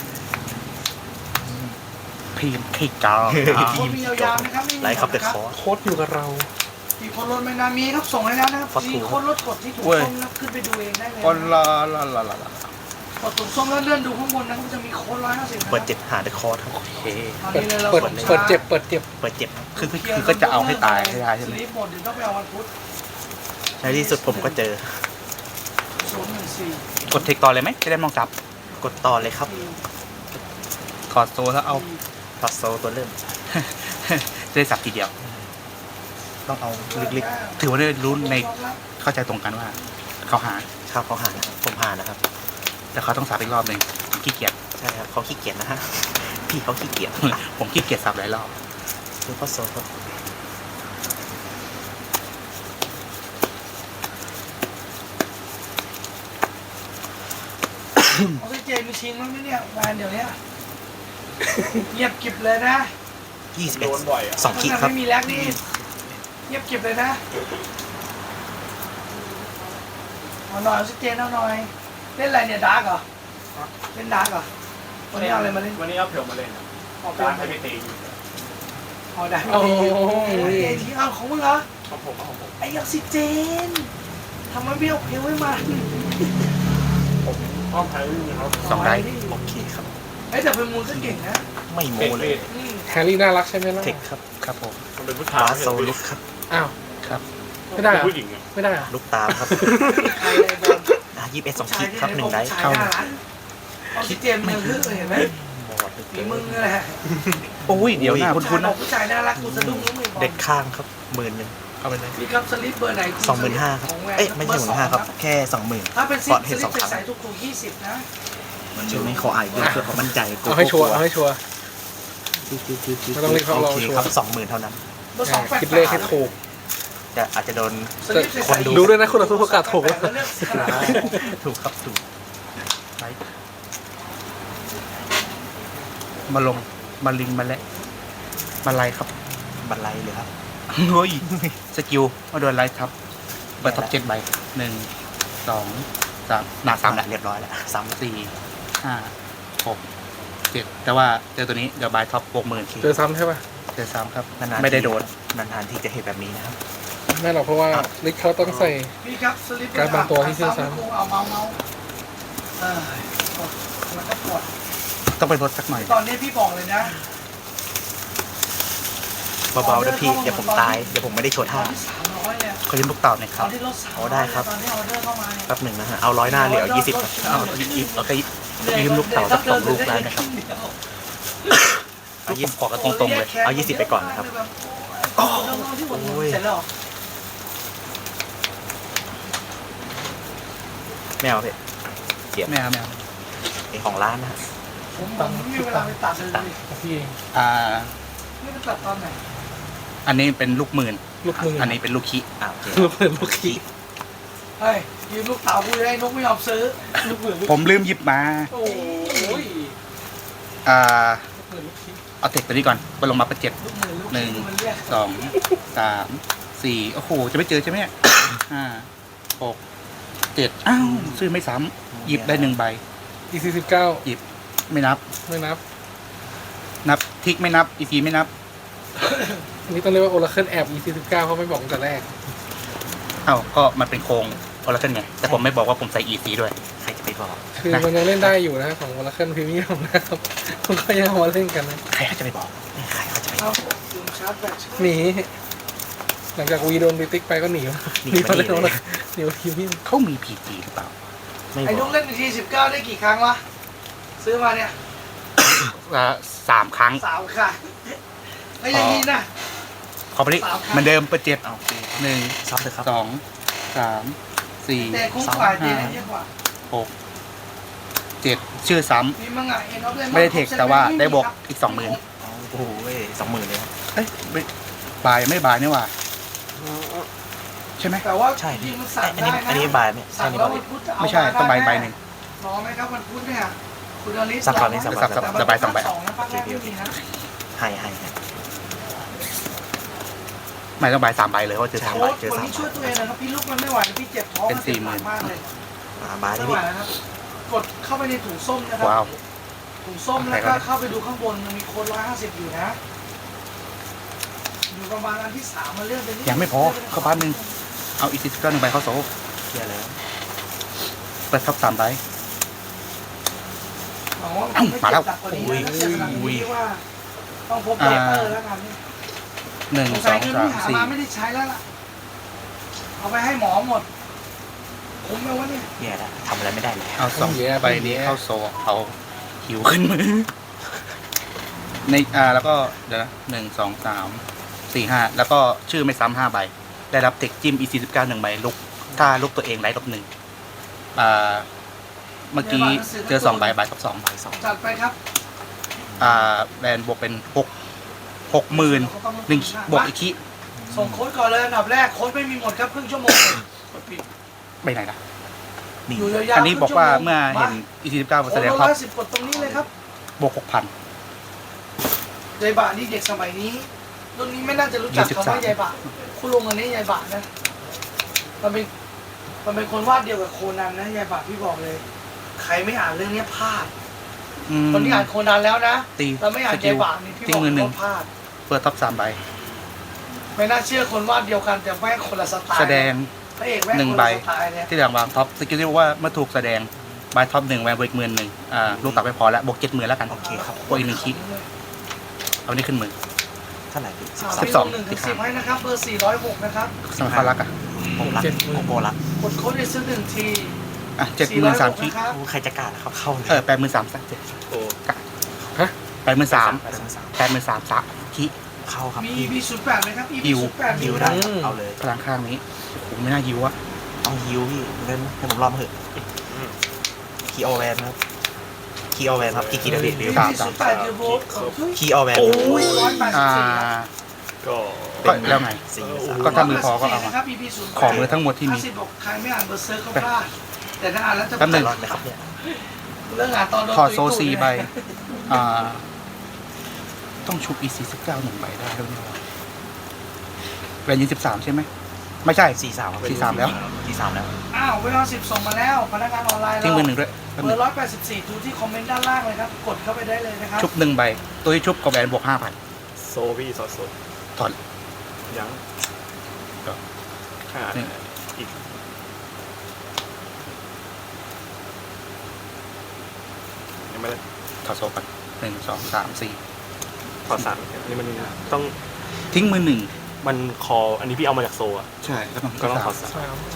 [SPEAKER 2] พีมไข่จอง
[SPEAKER 4] โค้ดมียาวๆนะครับม่มี
[SPEAKER 3] ไลท์ครับเดอะคอร์
[SPEAKER 1] โค้ดอยู่กับเรา
[SPEAKER 4] มีคนรถไม่นามีครับส่งให้แล้วนะครับ
[SPEAKER 3] ฟักทู
[SPEAKER 4] มีคนรถกดที่ถูกส้มแล้วขึ้นไปดูเองได้เลย
[SPEAKER 2] คนละละละละละ
[SPEAKER 4] กดถูกส้มแล้วเลื่อนดูข้างบนนะครับมันจะมีโค้ดร้อยห้าสิบ
[SPEAKER 3] เปิดเจ็ดหาเดอะคอร์ครับ
[SPEAKER 2] โอเค
[SPEAKER 4] ตอน
[SPEAKER 1] เปิด
[SPEAKER 4] นี้เลยเรา
[SPEAKER 1] เปิด
[SPEAKER 4] กด
[SPEAKER 1] เปิดเจ็บเปิดเจ็บ
[SPEAKER 3] เปิดเจ็ดครับ
[SPEAKER 2] คือคือคือก็จะเอาให้ตายให้ได้ใช่ไหม
[SPEAKER 4] สลิปหมดเดี๋ยวต้องไปเอาวันพุธ
[SPEAKER 3] ในที่สุดผมก็เจอ
[SPEAKER 4] ศูนย์หนึ่งสี่
[SPEAKER 2] กดเทคต่อเลยไหมจะได้มองจับ
[SPEAKER 3] กดต่อเลยครับ
[SPEAKER 2] ถอดโซ่แล้วเอา
[SPEAKER 3] ถอดโซลตัวเริ่ม
[SPEAKER 2] จะได้สับทีเดียว
[SPEAKER 3] ต้องเอาลึก
[SPEAKER 2] ถือว่าได้รู้ในเข้าใจตรงกันว่า เขาหา
[SPEAKER 3] ๆข้าวเขาหานะครับผมหานะครับ
[SPEAKER 2] แต่เขาต้องสับอีกรอบหนึ่งผมขี้เกียจ
[SPEAKER 3] ใช่ครับเขาขี้เกียจนะฮะพี่เขาขี้เกียจ
[SPEAKER 2] ผมขี้เกียจสับหลายรอบ
[SPEAKER 3] คือข้อโซลครับ
[SPEAKER 4] ออกซิเจนมีชิงมั้งไหมเนี่ยงานเดี๋ยวเนี้ยเงียบกิบเลยนะ
[SPEAKER 3] ยี่สิบเอ็ดสองขีดครับ
[SPEAKER 4] ไม่มีแลกนี่เงียบกิบเลยนะเอาหน่อยออกซิเจนเอาหน่อยเล่นอะไรเนี่ยดาร์กเหรอเล่นดาร์กเหรอวันนี้เอาอะไรมาเล่น
[SPEAKER 5] วันนี้เอาเผียวมาเล่นครับ
[SPEAKER 4] ออก
[SPEAKER 5] ร้าน
[SPEAKER 4] ไป
[SPEAKER 5] ให้ไปตีอยู่
[SPEAKER 4] เอาได้
[SPEAKER 1] โอ้โห
[SPEAKER 4] เอทีเอาของมึงเหรอ
[SPEAKER 5] ของผมของผม
[SPEAKER 4] ไอ้ออกซิเจนทำไมไม่เอาเพลไว้มา
[SPEAKER 5] ห้องไทยครับ
[SPEAKER 2] สองได้
[SPEAKER 3] โอเคครับ
[SPEAKER 4] ไอ้แต่เป็นมูลก็เก่งนะ
[SPEAKER 3] ไม่โม
[SPEAKER 5] เด็ก
[SPEAKER 3] เล
[SPEAKER 5] เลย ย
[SPEAKER 4] อืม
[SPEAKER 1] แฮร์รี่น่ารักใช่ไหมล่ะ
[SPEAKER 3] เทคครับ
[SPEAKER 2] ครับผม
[SPEAKER 5] มันเป็นผู้ชาย
[SPEAKER 3] บาสโซลุกครับ
[SPEAKER 1] อ้าว
[SPEAKER 2] ครับ
[SPEAKER 1] ไม่ได้เหรอ
[SPEAKER 5] ผู้หญิงอะ
[SPEAKER 1] ไม่ได้เหรอ
[SPEAKER 3] ลุกตามครับ
[SPEAKER 4] ใครเลยบอล
[SPEAKER 3] ยี่สิบเอ็ดสองขีดครับหนึ่งได้
[SPEAKER 4] เข้าออกซิเจนมันคือเห็นไหม
[SPEAKER 3] หมดเลย
[SPEAKER 4] ฝีมึงนี่แหละ
[SPEAKER 2] โอ้ยเดี๋ยวหน้าคุณคุณ
[SPEAKER 4] บอ
[SPEAKER 2] นะ
[SPEAKER 4] กผู้ชายน่ารักกูสะดุ้งรู้ไหมบอล
[SPEAKER 3] เด็กข้างครับหมื่นหนึ่ง
[SPEAKER 2] เอาไปเลย
[SPEAKER 4] มีครับสลิปเบอร์ไหน
[SPEAKER 3] สองหมื่นห้าครับ เอ้ยไม่ใช่หมื่นห้าครับ แค่สองหมื่น
[SPEAKER 4] ถ้าเป็นส
[SPEAKER 3] ก่อน
[SPEAKER 4] ลิ
[SPEAKER 3] เห็น
[SPEAKER 4] ป
[SPEAKER 3] สองครั้ง
[SPEAKER 4] ใส่ถูกถูกยี่สิบนะ
[SPEAKER 3] เชื่อไหมขออ่านเพื่อเพื่อความมั่นใจกลั
[SPEAKER 1] เอาให้ชัวร์เอาให้ชัวร์ ไม่ต้องรีบครับ
[SPEAKER 3] โอ
[SPEAKER 1] เรา
[SPEAKER 3] เค
[SPEAKER 1] ชัวร์
[SPEAKER 3] ครับสองหมื่นเท่านั้น
[SPEAKER 4] เบอร์สองแปด
[SPEAKER 1] คิดเลขให้ถูก
[SPEAKER 3] จะอาจจะโดน
[SPEAKER 4] สลิปใส่
[SPEAKER 3] คนดู
[SPEAKER 1] ดูด้วยนะคุณผู้ประกาศถูกแล้ว
[SPEAKER 4] เลือกขนาด
[SPEAKER 3] ถูกครับถูก
[SPEAKER 2] ไปมาลงมาลิงมาและมาไล่ครับ
[SPEAKER 3] บันไลเลยครับ
[SPEAKER 2] เฮ้ยสกิลมาโดนไล่ทับเปิดท็อปเจ็ดใบหนึ่งสองสามหนาสามแหละ
[SPEAKER 3] เรียบร้อยแล้วซ้ำ
[SPEAKER 2] สี่ห้าหกเจ็ดแต่ว่าเจอตัวนี้เดี๋ยวบายท็อปหกหมื่น
[SPEAKER 1] เจอซ้ำใช่ป่ะ
[SPEAKER 2] เจอซ้ำครับ
[SPEAKER 3] นานๆ
[SPEAKER 2] ไม่ได้โดน
[SPEAKER 3] นานๆที่จะเห็นแบบนี้นะครับ
[SPEAKER 1] ไม่หรอกเพราะว่าลิกเขาต้องใส่
[SPEAKER 4] พี่ครับสลิป
[SPEAKER 1] การบางตัวที่เชื่อซ้ำ
[SPEAKER 4] เอาเมาเมาเออกดแล้วก็กด
[SPEAKER 2] ต้องไปลดสักหน่อย
[SPEAKER 4] ตอนนี้พี่บอกเลยนะ
[SPEAKER 3] เบาๆนะพี่เดี๋ยวผมตายเดี๋ยวผมไม่ได้โชว์
[SPEAKER 4] ตอ
[SPEAKER 3] ท่าน
[SPEAKER 4] ที่สามร้อยเนี่ย
[SPEAKER 2] ขอยืมลูกเต่าหน่อยค
[SPEAKER 4] ต
[SPEAKER 2] รั
[SPEAKER 4] อบ นที่รถสาม
[SPEAKER 3] เอาได้ครับ
[SPEAKER 4] ตอนที่ออเดอร์เข้ามาเนี่ย
[SPEAKER 3] แป๊บหนึ่งนะฮะเอาร้อยหน้าเหลือยี่สิบครับ
[SPEAKER 2] เอาอีกโอเคยืมลูกเต่าสักสองลูกได้นะครับ
[SPEAKER 3] เอายี่สิบ
[SPEAKER 2] ขอกันตรงๆเลย
[SPEAKER 3] เอายี่สิบไปก่อนนะครับ
[SPEAKER 4] โอ้ยเสร็จแล้วเหรอ
[SPEAKER 3] ไม่เอาพี่
[SPEAKER 2] ไม่เอาไม่เอา
[SPEAKER 3] ไอของร้านนะฮะ
[SPEAKER 4] ผมผมไม่มีเวลาไปตัดเลย
[SPEAKER 1] พี่เอง
[SPEAKER 2] อ่า
[SPEAKER 4] ไม่ไปตัดตอนไหน
[SPEAKER 2] อันนี้เป็นลูกหมื่น
[SPEAKER 1] ลูกมือ
[SPEAKER 2] อันนี้เป็นลูกคิ
[SPEAKER 3] อ่าโอเค
[SPEAKER 1] ลูกมือลูกขี้
[SPEAKER 4] เฮ้ยยืมลูกเต๋ากูได้นกไม่ยอมซื้อ
[SPEAKER 1] ลูกมือลูก
[SPEAKER 2] ผมลืมหยิบมา
[SPEAKER 1] โอ้ย
[SPEAKER 2] อ่า
[SPEAKER 1] ลูกมือลูกขี้
[SPEAKER 2] เอาเทคตัวนี้ก่อนไปลงมาเป็นเจ็ด
[SPEAKER 4] ลูกมือลูก
[SPEAKER 2] หนึ่ง
[SPEAKER 4] มันเรียก
[SPEAKER 2] สองสามสี่โอ้โหจะไม่เจอใช่ไหมเนี่ยห้าหกเจ็ดอ้าวซื้อไม่ซ้ำหยิบได้หนึ่งใบ
[SPEAKER 1] อีซีสิบเก้า
[SPEAKER 2] หยิบไม่นับ
[SPEAKER 1] ไม่นับ
[SPEAKER 2] นับทิกไม่นับอีซีไม่นับ
[SPEAKER 1] อันนี้ต้องเรียกว่าโอราเคิลแอบอีซีสิบเก้าเขาไม่บอกตั้งแต่แรก
[SPEAKER 2] เอ้าก็มันเป็นโครงโอลาเคิลไงแต่ผมไม่บอกว่าผมใส่อีซีด้วย
[SPEAKER 3] ใครจะไปบอก
[SPEAKER 1] คือมันยังเล่นได้อยู่นะของโอราเคิลพรีเมียมนะครับมันก็ยังเอามาเล่นกันนะ
[SPEAKER 2] ใครเขาจะไปบอก
[SPEAKER 3] ใครเขาจะไปบ
[SPEAKER 4] เอา
[SPEAKER 3] อก
[SPEAKER 4] ลืมชาร์จแบต
[SPEAKER 1] หนี หลังจากวีโดนดิติ๊กไปก็หนีมา
[SPEAKER 3] หนี
[SPEAKER 1] หนี
[SPEAKER 3] มา
[SPEAKER 1] มาเล่น
[SPEAKER 3] หนี
[SPEAKER 1] โอ
[SPEAKER 3] เล
[SPEAKER 1] ราย เคิลพรีเมียม
[SPEAKER 2] เขามีพีจีหรือเปล่า
[SPEAKER 3] ไม่
[SPEAKER 4] ไอ้
[SPEAKER 3] บ
[SPEAKER 4] นุ
[SPEAKER 3] อก
[SPEAKER 4] กเล่นทีสิบเก้าได้กี่ครั้งวะซื้อมาเนี่ย
[SPEAKER 2] อ่าสามครั้ง
[SPEAKER 4] สามครั้งไอ้ยอยังนี้นะ
[SPEAKER 2] ขอไปดิเหมือนเดิมเปิดเจ็ด
[SPEAKER 3] เอาโอเค
[SPEAKER 2] หนึ่ง
[SPEAKER 3] ซับเลยครับ
[SPEAKER 2] สองสามสี่
[SPEAKER 4] แต่คุ้มกว่าเจนเยอะกว่า
[SPEAKER 2] หกเจ็ดชื่อซ้
[SPEAKER 4] มีมังงะเอ็นออฟเล
[SPEAKER 2] ำไม่ได้เทคแต่ว่าได้บวกอีกสองหมื่น
[SPEAKER 3] เอาโอ้โหสองหมื่นเลยครับ
[SPEAKER 2] เอ้ยไม่บายไม่บายนี่หว่าใช่ไหม
[SPEAKER 4] แต่ว่า
[SPEAKER 3] ใช่
[SPEAKER 4] จริ
[SPEAKER 3] พี่
[SPEAKER 4] งๆมันสั่ง
[SPEAKER 3] อัน
[SPEAKER 4] ได้
[SPEAKER 3] นี้
[SPEAKER 4] นะ
[SPEAKER 3] อันนี้บายไหมใช่
[SPEAKER 4] สั่ง
[SPEAKER 3] นี่
[SPEAKER 4] แล้ว
[SPEAKER 3] บาย
[SPEAKER 4] วันพุธจะเอา
[SPEAKER 2] ไม่ใช่ต้องใบใบหนึ่ง
[SPEAKER 4] รอไหมครับวันพุธเนี่ยคุณอลิส
[SPEAKER 3] สับก่อนนี่สับก่อน
[SPEAKER 2] สับสับ ใบสองใบ
[SPEAKER 4] สองนะภาคแรกไม่มีนะ
[SPEAKER 3] ให้ให้ให้
[SPEAKER 2] ไม่ต้องใบสามใบเลยเพราะเจอสาม
[SPEAKER 4] โค้
[SPEAKER 2] ใบ
[SPEAKER 4] ชวันนี้ช่วยตัวเองหนะครับพี่ลูกมันไม่ไหวนะพี่เจ็บท้อง
[SPEAKER 2] เป็นสี่หมื่น
[SPEAKER 4] มากเลย
[SPEAKER 3] อ่าบาย
[SPEAKER 4] ไม่
[SPEAKER 3] นี่
[SPEAKER 4] ไหว
[SPEAKER 3] พี่
[SPEAKER 4] แล้วครับกดเข้าไปในถุงส้มนะครั
[SPEAKER 2] ว้าว
[SPEAKER 4] ถุงส้มแล้วก็เข้าไปดูข้างบนมันมีโค้ดร้อยห้าสิบอยู่นะอยู่ประมาณอันที่สามมาเลื่อนไปนิด
[SPEAKER 2] ยังไม่พอเข้าบ้านหนึ่งเอาอีกสิบเก้าหนึ่งใบเข้าโซ่
[SPEAKER 3] เคลียร์แล้ว
[SPEAKER 2] เปิดท็อปสามใบ
[SPEAKER 4] หวังว่า
[SPEAKER 2] เอ้ามาแล้ว
[SPEAKER 4] ไเจ็บหนักกว่านี้นะถ้าเจ็บขนาดนี้ว่าต้องพบเปเปอร์แล้วกันนี่
[SPEAKER 2] หนึ่ง
[SPEAKER 4] สง
[SPEAKER 2] ส
[SPEAKER 4] สั
[SPEAKER 2] อย ง
[SPEAKER 4] เงิน
[SPEAKER 2] สาม
[SPEAKER 4] ที่หา
[SPEAKER 2] สี่
[SPEAKER 4] มาไม่ได้ใช้แล้วล่ะเอาไปให้หมอหมดคุ้มไหมวะเนี่ย
[SPEAKER 3] แย่แล้วทำอะไรไม่ได้เลย
[SPEAKER 2] เอาสองใบนี้เข้าโซ่เอาหิวขึ้นมือในอ่าแล้วก็เดี๋ยวนะหนึ่งสองสามสี่ห้าแล้วก็ชื่อไม่ซ้ำห้าใบ ได้รับเทคจิ้ม อี สี่สิบเก้าหนึ่งใบลุกถ้าลุกตัวเองไร้ลบหนึ่งอ่าเมื่อกี้เจอสองใบใบกับสอง
[SPEAKER 3] บายสอง
[SPEAKER 4] จัดไปครับ
[SPEAKER 2] อ่าแบรนด์บวกเป็นหกหกหมื่นหนึ่งบวกอีกที
[SPEAKER 4] ส่งโค้ดก่อนเลยอันดับแรกโค้ดไม่มีหมดครับครึ่งชั่วโมงกดปิด
[SPEAKER 2] ไปไหนนะ
[SPEAKER 3] นี่
[SPEAKER 4] อยู่ยาวๆ
[SPEAKER 2] อันนี้บอกว่า
[SPEAKER 4] ครึ่งชั่
[SPEAKER 2] เมื่อ
[SPEAKER 4] โง
[SPEAKER 2] เห็น อี สี่สิบเก้า
[SPEAKER 4] โอ้
[SPEAKER 2] แสดง
[SPEAKER 4] ร้
[SPEAKER 2] ครั
[SPEAKER 4] อบ ยสิบกดตรงนี้เลยครับ
[SPEAKER 2] บวกหกพัน
[SPEAKER 4] ยายบะนี่เด็กสมัยนี้รุ่นนี้ไม่น่าจะรู้จัก
[SPEAKER 2] ยี่สิบ
[SPEAKER 4] คำ
[SPEAKER 2] สาม
[SPEAKER 4] ว่ายายบะคุณลุงอันนี้ยายบะนะมันเป็นมันเป็นคนวาดเดียวกับโคนันนะยายบะพี่บอกเลย ใครไม่อ่านเรื่องนี้พลาด คนที่อ่านโคนันแล้วนะ
[SPEAKER 2] ตี
[SPEAKER 4] เราไม่อ่าน
[SPEAKER 2] สกิ
[SPEAKER 4] ยาย
[SPEAKER 2] ล
[SPEAKER 4] บะนี่พี่
[SPEAKER 2] ทิ้
[SPEAKER 4] บ
[SPEAKER 2] ง
[SPEAKER 4] อก
[SPEAKER 2] มือหนึ่ง
[SPEAKER 4] ว่าพลาด
[SPEAKER 2] เปิดท็อปสามใบ
[SPEAKER 4] ไม่น่าเชื่อคนวาดเดียวกันแต่แม่งคนละสไตล์
[SPEAKER 2] แสดง
[SPEAKER 4] พระเอกแม่ง
[SPEAKER 2] หนึ่ง
[SPEAKER 4] คน
[SPEAKER 2] ใบ
[SPEAKER 4] ละสไตล์เนี่ย
[SPEAKER 2] ที่หลังวางท็อปสกิลที่บอกว่าเมื่อถูกแสดงใบท็อปหนึ่งแวนบวกอีกหมื่นหนึ่งอ่าลูกตัดไปพอแล้วบวกเจ็ดหมื่นแล้วกัน
[SPEAKER 3] โอเคครับ
[SPEAKER 2] บวกอีกหนึ่งคิเอานี่ขึ้นมือ
[SPEAKER 3] เท่าไหร่พี่
[SPEAKER 4] อ่า
[SPEAKER 2] สิบสอง
[SPEAKER 4] พี่ลหนึ่งถึงสิบให้นะครับเบอร์สี่ร้อยหกนะครับ
[SPEAKER 2] สมัครรักอ่ะ
[SPEAKER 3] โบรักโอ้โบรัก
[SPEAKER 4] กดโค้ดในซื้อหนึ่งที
[SPEAKER 2] อ่ะเจ็ดหมื่นสามคิ
[SPEAKER 4] นะครับ
[SPEAKER 3] โอ้ใครจะกล้าล่ะครับเข้าเลย
[SPEAKER 2] เออแปดหมื่นสามสักเจ็ด
[SPEAKER 5] โอ้
[SPEAKER 2] แปดหมื่นสาม
[SPEAKER 3] ไปสามสาม
[SPEAKER 2] แปดหมื่นสามสักคิ
[SPEAKER 3] เข้าครับ
[SPEAKER 4] มี
[SPEAKER 3] พี่
[SPEAKER 4] มีศูนย์แปดไหมครับ
[SPEAKER 2] ฮิว
[SPEAKER 4] ศูนย์แปด
[SPEAKER 3] ฮิวได้ครับเอาเลย
[SPEAKER 2] พลังข้างนี้โอ้โหไม่น่ายิวอะ
[SPEAKER 3] เอาฮิวพี่เล่นให้ผมรอมาเถอะคีออแวนครับคีออแวนครับกี่กี่เดบิต
[SPEAKER 4] มี
[SPEAKER 3] เดียว
[SPEAKER 4] ศูนย์แปดยูโร
[SPEAKER 3] คีออแวน
[SPEAKER 4] โอ้ยร้อยแปดสิ
[SPEAKER 2] อ่า
[SPEAKER 4] บสี่ครับ
[SPEAKER 5] ก็
[SPEAKER 2] ก็แล้วไง
[SPEAKER 3] สี่
[SPEAKER 2] ก็ถ้ามือพอก็เอามา
[SPEAKER 4] นะครับ อี พี ศูนย์แปด
[SPEAKER 2] ของมือทั้งหมดที่มี
[SPEAKER 4] ห้าสิบบอกใครไม่อ่านเบอร์เซอร์ก็พลาดแต่ถ้าอ่านแล้วจะ
[SPEAKER 2] แป๊บหนึ่ง
[SPEAKER 3] รอดไหมครับเนี่ย
[SPEAKER 4] เรื่องอ่านตอนโดน
[SPEAKER 2] ถอดโซ
[SPEAKER 4] ตุ้ยๆ
[SPEAKER 2] ซี
[SPEAKER 4] เนี่ย
[SPEAKER 2] ใบอ่าต้องชุบอีสี่สิบเก้าหนึ่งใบได้ด้วยนี่หว่าแวนยี่สิบสามใช่ไหมไม่ใช่
[SPEAKER 3] สี่สามครับ
[SPEAKER 2] สี่สามแล้ว
[SPEAKER 3] สี่สามแล้ว
[SPEAKER 4] อ้าวเวลาสิบส่งมาแล้วพนักงานออนไลน์
[SPEAKER 2] ทิ้ง
[SPEAKER 4] เรา
[SPEAKER 2] มือหนึ่งด้วยแป๊บ
[SPEAKER 4] เบ
[SPEAKER 2] นึ
[SPEAKER 4] อง ร์ร้อยแปดสิบสี่ดูที่คอมเมนต์ด้านล่างเลยครับ กดเข้าไปได้เลยนะครับ
[SPEAKER 2] ชุบหนึ่งใบ ตัวที่ชุบกับแวนบวกห้าพัน
[SPEAKER 5] โซวี่สอดสด
[SPEAKER 2] ถอน
[SPEAKER 5] ยัง
[SPEAKER 2] ก็
[SPEAKER 5] ขาด
[SPEAKER 2] นี่
[SPEAKER 5] อีกยังไม่ได้
[SPEAKER 2] ถอดโซ่กันหนึ่งสองสามสี่
[SPEAKER 5] ขอสามอันนี้มันต้อง
[SPEAKER 2] ทิ้งมือหนึ่ง
[SPEAKER 5] มันคออันนี้พี่เอามาจากโซอ่ะ
[SPEAKER 2] ใช่แล้วมัน
[SPEAKER 5] ก็ต้องขอ
[SPEAKER 2] สาม
[SPEAKER 5] สาม
[SPEAKER 1] ใช่ครับ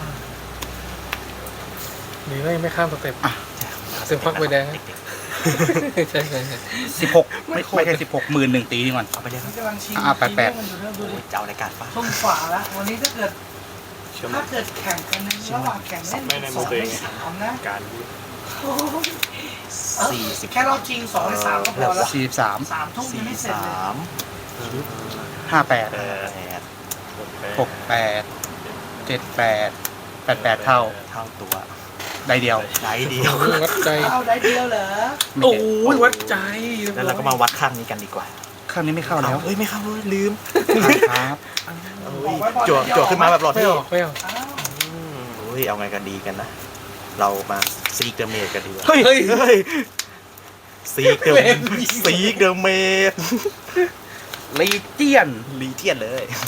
[SPEAKER 1] นี่ไม่ไม่ข้ามสเต็ป
[SPEAKER 2] อ่ะ
[SPEAKER 1] เต็มพักใบแดงนะ
[SPEAKER 3] เด็ก
[SPEAKER 1] ใช่ใช่ใช่
[SPEAKER 2] สิบหกไม่ไม่ใช่สิบหกหมื่นหนึ่งตีนี่ก่อน
[SPEAKER 3] ๆเอาไปเลยค
[SPEAKER 4] มั
[SPEAKER 3] รับ
[SPEAKER 4] นกำลังชิง
[SPEAKER 2] อ่าแปดแปด
[SPEAKER 4] ชิงเรื่องมันอยู่เรื่องดู
[SPEAKER 3] โอ้
[SPEAKER 4] ดิ
[SPEAKER 3] ยจะเอารายการป่ะ
[SPEAKER 4] ช่องฝาละวันนี้ถ้าเกิด
[SPEAKER 5] เชื่อไหม
[SPEAKER 4] ถ้าเกิดแข่งกันในระหว่างแข่งเล่น
[SPEAKER 5] ไม่ใน
[SPEAKER 4] ส
[SPEAKER 5] มื
[SPEAKER 4] อ
[SPEAKER 5] อง ตัวเอ
[SPEAKER 4] ใน
[SPEAKER 5] ง
[SPEAKER 4] สามนะ
[SPEAKER 5] การ
[SPEAKER 4] โอ้ย
[SPEAKER 3] สี่สิบ
[SPEAKER 4] แค่รอบชิงสองในสามก็พอแล้ว
[SPEAKER 2] สี่สิบสาม
[SPEAKER 4] สามทุ่มยังไม่เสร็จ
[SPEAKER 3] ส
[SPEAKER 4] เลย
[SPEAKER 3] าม
[SPEAKER 2] ห้าแปด
[SPEAKER 3] แปด
[SPEAKER 2] หกแปดเจ็ดแปดแปดแปดเท่า
[SPEAKER 3] เท่าตัว
[SPEAKER 2] ได้เดียว
[SPEAKER 3] ไหนเดียว
[SPEAKER 1] โอ้วัดใจ
[SPEAKER 4] เอาได้เดียวเหรอ
[SPEAKER 2] ไม่
[SPEAKER 1] โอ้
[SPEAKER 2] เก็บ
[SPEAKER 1] ยวัดใจ
[SPEAKER 3] แล้วเราก็มาวัดข้างนี้กันดีกว่า
[SPEAKER 2] ข้างนี้ไม่เข้าแล้ว
[SPEAKER 3] เอ้ยไม่เข้าเลยลืม
[SPEAKER 2] ครับ
[SPEAKER 3] เอ้ยจั่วจั่วขึ้นมาแบบหลอด
[SPEAKER 1] ไม่
[SPEAKER 3] ที่
[SPEAKER 1] ออกไม่ออก
[SPEAKER 4] อ้าว
[SPEAKER 3] โอ้ยเอาไงกันดีกันนะ เรามาซีกเดอะเมดกันดีกว่า
[SPEAKER 2] เฮ้ย
[SPEAKER 3] เฮ้ยเฮ้ยซีกเดอะซีกเดอะเมด
[SPEAKER 2] ลีเจียน
[SPEAKER 3] ลีเทียนเลย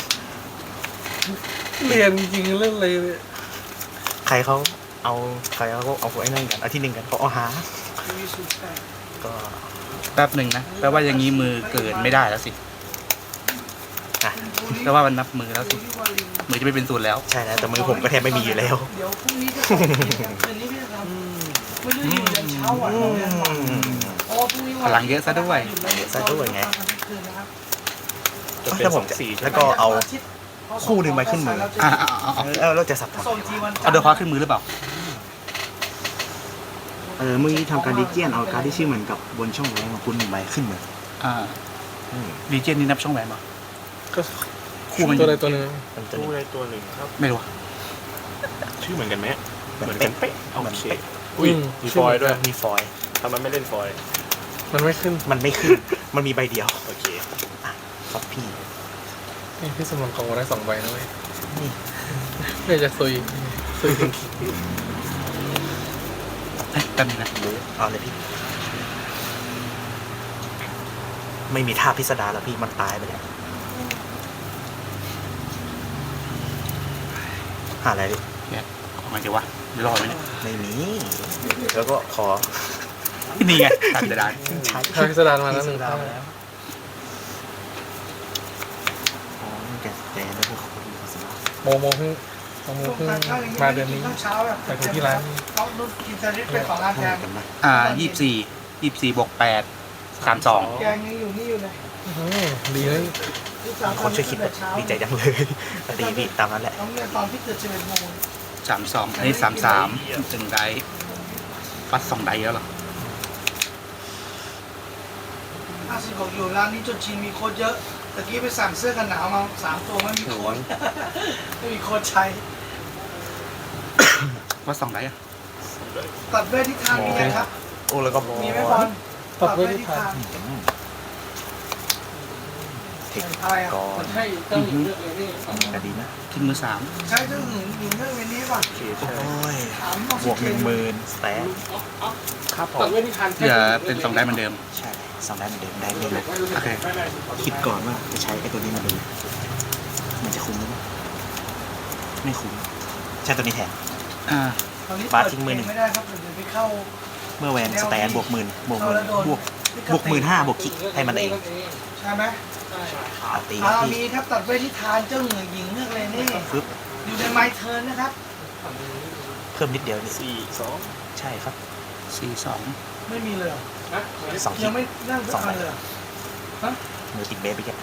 [SPEAKER 1] เรียนจริงๆเรื่องอะไรเลย
[SPEAKER 3] ใครเขาเอาใครเขาเอาไอ้นั่นกันเอาที่หนึ่งกันเขาเอาหา
[SPEAKER 4] มีศูนย์แปด
[SPEAKER 3] ก็
[SPEAKER 2] แป๊บหนึ่งนะแปลว่าอย่างนี้มือเกินไม่ได้แล้วสิแปลว่ามันนับมือแล้วสิมือจะไม่เป็นศูนย์แล้ว
[SPEAKER 3] ใช่แล้วแต่มือผมก็แทบไม่มีอยู่แล้ว
[SPEAKER 4] เดี๋ยวพรุ่งนี้จะส่งคืนนี้พี่จะทำไม่รู้อยู่ยันเช้าอ่ะเราเรียนบ่ายเพราะว่าพรุ่งนี้วัน
[SPEAKER 2] พลังเยอะซะด้วย
[SPEAKER 3] เยอะซะด้วยไง
[SPEAKER 4] คืนนะครับ
[SPEAKER 5] จะเป็น
[SPEAKER 3] ถ้าผ
[SPEAKER 5] ส
[SPEAKER 3] ม
[SPEAKER 5] อง
[SPEAKER 3] จะ
[SPEAKER 5] สี่ใช่
[SPEAKER 3] แล้
[SPEAKER 5] ไห
[SPEAKER 3] ว
[SPEAKER 5] ม
[SPEAKER 3] ก็เอา คู่หนึ่งไปขึ้นมือ
[SPEAKER 2] อ่าเอาเอาเอา
[SPEAKER 3] เออเราจะสับทำ
[SPEAKER 4] ส่งจีวันจันทร์
[SPEAKER 2] เอาเดอะคอร์ขึ้นมือหรือเปล่า
[SPEAKER 3] เออเมื่อกี้ทำการดิเจียนเอาการดที่ชื่อเหมือนกับบนช่องแรงของคุณหนึ่งใบขึ้นมือ
[SPEAKER 2] อ่า
[SPEAKER 3] อืม
[SPEAKER 2] ดีเจนนี่นับช่องแหวนป่ะ
[SPEAKER 1] ก็
[SPEAKER 2] คู่มัน
[SPEAKER 1] ตัวใดตัวหนึ่ง
[SPEAKER 3] มันจะ
[SPEAKER 5] ตู้ใดตัวหนึ่งครับ
[SPEAKER 2] ไม่รู้อะ
[SPEAKER 5] ชื่อเหมือนกันไหม
[SPEAKER 3] เหมือน
[SPEAKER 5] เหมือน
[SPEAKER 3] เป๊ะ
[SPEAKER 5] กันเป๊ะโอ
[SPEAKER 3] เหมือน
[SPEAKER 5] เค
[SPEAKER 3] เป๊ะ
[SPEAKER 5] อุ้ยมีฟอยล์ด้วย
[SPEAKER 3] มีฟอยล์
[SPEAKER 5] ทำไมไม่เล่นฟอยล์
[SPEAKER 1] มันไม่ขึ้น
[SPEAKER 3] มันไม่ขึ้น มันมีใบเดียว
[SPEAKER 5] โอเค
[SPEAKER 3] ครับพี่
[SPEAKER 1] นี่พี่สมรกองได้สองใบนะเว้ย
[SPEAKER 3] นี่
[SPEAKER 1] ไม่จะซุยซุยถึง
[SPEAKER 2] เฮ้ยแป๊บนึงนะ
[SPEAKER 3] รู้เอาเลยพี่ ไม่มีท่าพิสดารแล้วพี่มันตายไปแล้วหาอะไรดิ
[SPEAKER 2] เอาไงดีวะเดี๋ยวรอไว้เนี่ย
[SPEAKER 3] ไม่มี แล้วก็ขอ
[SPEAKER 2] นี่ไงตัดจะได้
[SPEAKER 3] ใช้
[SPEAKER 1] ถ้าพิสดารมาแล้วห
[SPEAKER 3] พิ
[SPEAKER 1] นึ่
[SPEAKER 3] ส
[SPEAKER 1] ง
[SPEAKER 3] ดา
[SPEAKER 1] ท่าร
[SPEAKER 3] แล้วอ๋อนี่แกแกแล้วพวกเขาก็มีพิสดาร
[SPEAKER 1] โมโมเพิ่งโมโมเพิ่งมาเดือนนี้
[SPEAKER 4] เช้าแบบ
[SPEAKER 1] ไปถึงที่ร้าน
[SPEAKER 4] ต้องนุ่นกินแซนด์วิชเป็นของร้านแก
[SPEAKER 3] เหมื
[SPEAKER 4] ง
[SPEAKER 3] อนกันไหม
[SPEAKER 2] อ่ายี่สิบสี่ยี่สิบสี่บวกแปดสามสอง
[SPEAKER 4] แกงยังอยู่นี่อยู่เลย
[SPEAKER 1] อื้อหือดีเลย
[SPEAKER 3] มีคนช่วยคิดแบบดีใจจังเลยดีพี่ตามนั้นแหละ
[SPEAKER 4] ต้องเรียนตอนที่เกิดสิบเอ็ดโมง
[SPEAKER 2] สามสองอันนี้สามสามหนึ่งไดส์ปัดสองไดส์แล้วเหรอ
[SPEAKER 4] ห้าสิบหกอยู่ร้านนี้จนชินมีโค้ดเยอะตะกี้ไปสั่งเสื้อกันหนาวมาสามตัวไม่มีโค้ดไม่มีโค้ดใช้
[SPEAKER 2] ปัดสองไดส์อะ
[SPEAKER 4] ตัดเวทที่ทางมีไหมครับ
[SPEAKER 3] โอ้แล้วก็
[SPEAKER 4] มีไหมบอล
[SPEAKER 1] ตัดไว้ที่ทาง
[SPEAKER 3] อืมเทค
[SPEAKER 4] อะไรอ่ะ
[SPEAKER 3] ก่อน
[SPEAKER 1] มันให้เจ้าหญิงเลือกเลยนี่
[SPEAKER 3] ก็ดีนะ
[SPEAKER 2] ทิ้งมือสาม
[SPEAKER 4] ใช้เจ้าหญิงหญิงเรื่องเวนี้ป่ะ
[SPEAKER 5] โอเค
[SPEAKER 3] โอ้
[SPEAKER 5] ใช่
[SPEAKER 3] ย
[SPEAKER 4] ถามบอก
[SPEAKER 3] บวกหนึ่งหมื่นสแตน
[SPEAKER 5] ครับผ
[SPEAKER 1] ตัด
[SPEAKER 5] ม
[SPEAKER 1] ไว้ที่ทาง
[SPEAKER 2] เหลือเป็นสองไดส์เหมือนเดิม
[SPEAKER 3] ใช่สองได้เหมือนเดิมได้ไม่ลบ
[SPEAKER 2] โอเค
[SPEAKER 3] คิดก่อนว่าจะใช้ไอ้ตัวนี้มาดู มันจะคุ้มหรือเปล่าไม่คุ้ม ใช้ตัวนี้แทน
[SPEAKER 2] อ่า
[SPEAKER 4] ตอนนี้
[SPEAKER 3] บา
[SPEAKER 4] เปิ
[SPEAKER 3] ส
[SPEAKER 4] ด
[SPEAKER 3] ทิ้งมือหนึ่ง
[SPEAKER 4] ไม่ได้ครับเดี๋ยวไปเข้า
[SPEAKER 3] เมื่อแวนสแตนบวกหมื่นบวกหมื่นบวกบวกหมื่นห้าบวกคิกให้มันเอง
[SPEAKER 4] ใช่ไหม
[SPEAKER 3] อาตี
[SPEAKER 4] อา
[SPEAKER 3] ที่
[SPEAKER 4] มีครับตัดเวทที่ทานเจ้าเหนือหญิงเรื่องอะไรนี่
[SPEAKER 3] ฟึบ
[SPEAKER 4] อยู่ในไมเทิร์นนะครับ
[SPEAKER 3] เพิ่มนิดเดียวนี่
[SPEAKER 5] สี่สอง
[SPEAKER 3] ใช่ครับ
[SPEAKER 2] สี่สอง
[SPEAKER 4] ไม่มีเลยเหรอ
[SPEAKER 3] สองคิ
[SPEAKER 4] ยั
[SPEAKER 3] ก
[SPEAKER 4] งไม่นั่งสักอันเลยเหรอ
[SPEAKER 3] มือติดเบสไปแค่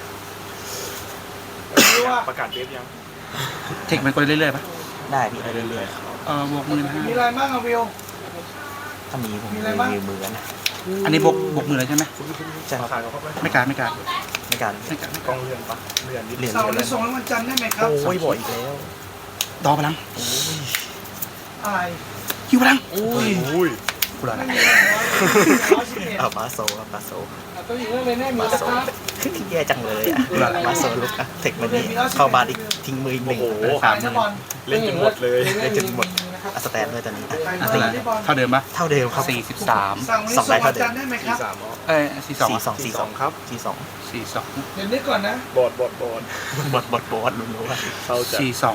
[SPEAKER 4] รู้ว่า
[SPEAKER 5] ประกาศเดฟยัง
[SPEAKER 2] เทคมันก็เรื่อยๆปะ
[SPEAKER 3] ได้พี่ได้เรื่อย
[SPEAKER 2] เออบวกหมื่นห้า
[SPEAKER 4] มีอะไรบ้างอะวิว
[SPEAKER 3] ๆถ้ามีผม
[SPEAKER 4] มี
[SPEAKER 3] มี
[SPEAKER 4] อะไรบ้าง
[SPEAKER 3] มีมือนะ
[SPEAKER 2] อันนี้บวกบวกหมื่นเลยใช่ไหม
[SPEAKER 3] ใช่ครับ
[SPEAKER 5] ขายเขาเข้าไป
[SPEAKER 2] ไม่การไม่การ
[SPEAKER 3] ในการ
[SPEAKER 2] ไม่การ
[SPEAKER 5] กล้องเลื่อนปะเลื่อนนิด
[SPEAKER 3] เหรียญ
[SPEAKER 4] เสาร์
[SPEAKER 3] เห
[SPEAKER 4] ห
[SPEAKER 3] รี
[SPEAKER 4] รื
[SPEAKER 3] ย
[SPEAKER 4] อ
[SPEAKER 3] ญ
[SPEAKER 4] ส่งให้วันจันทร์ได้ไหมครับ
[SPEAKER 3] โอ้ยบ่อยอีกแล้ว
[SPEAKER 2] ดอพลัง
[SPEAKER 4] อะไร
[SPEAKER 2] ฮิวพลัง
[SPEAKER 3] อุ้ย
[SPEAKER 5] อุ้ย
[SPEAKER 2] กูรอ
[SPEAKER 4] ไม่
[SPEAKER 2] นะ
[SPEAKER 4] มีร้อยสิบเอ็ด
[SPEAKER 3] เอาบาโซครับบาโซ
[SPEAKER 1] เจ้าหญิงเลือกเลยแน่มี
[SPEAKER 3] บา
[SPEAKER 1] นะ
[SPEAKER 3] โซ
[SPEAKER 1] ครับ
[SPEAKER 3] แย่จังเลยอ่ะบาโซลุกอะเทคมันนี้เข้าบาร์อีกทิ้งมืออีกหนึ่ง
[SPEAKER 2] สามห
[SPEAKER 4] นะ
[SPEAKER 2] มื่น
[SPEAKER 4] บอล
[SPEAKER 5] เล่นจนหมดเลย
[SPEAKER 3] ได้จนหมดอะสแตนด้วยตอนนี้
[SPEAKER 4] ใคร
[SPEAKER 2] อ่ะ
[SPEAKER 4] บอ
[SPEAKER 2] เท่าไห
[SPEAKER 4] ล
[SPEAKER 2] ร่
[SPEAKER 4] ที่บอล
[SPEAKER 2] เท่าเดิมปะ
[SPEAKER 3] เท่าเดิมครับ
[SPEAKER 2] สี่สิบสาม
[SPEAKER 4] สั่งวันนี้
[SPEAKER 3] สอง
[SPEAKER 4] ส่
[SPEAKER 3] ไล
[SPEAKER 4] ง
[SPEAKER 3] น์
[SPEAKER 4] วัน
[SPEAKER 3] เท่าเดิม
[SPEAKER 4] จันทร์ได้ไหมครับ
[SPEAKER 5] สี่สามอ๋อ
[SPEAKER 2] เอ้ยสี่สอง
[SPEAKER 3] สี่สอง
[SPEAKER 5] สี่
[SPEAKER 3] สี่
[SPEAKER 5] ส
[SPEAKER 3] ส
[SPEAKER 5] อ
[SPEAKER 3] อง ง
[SPEAKER 5] ครับ
[SPEAKER 3] สี่สอง
[SPEAKER 2] สี่สอง
[SPEAKER 4] เดี๋ยวนึกก่อนนะ
[SPEAKER 5] บอดบอดบอด
[SPEAKER 3] บดบดบดรู้ว่า
[SPEAKER 5] เข้าใจ
[SPEAKER 2] สี่สอง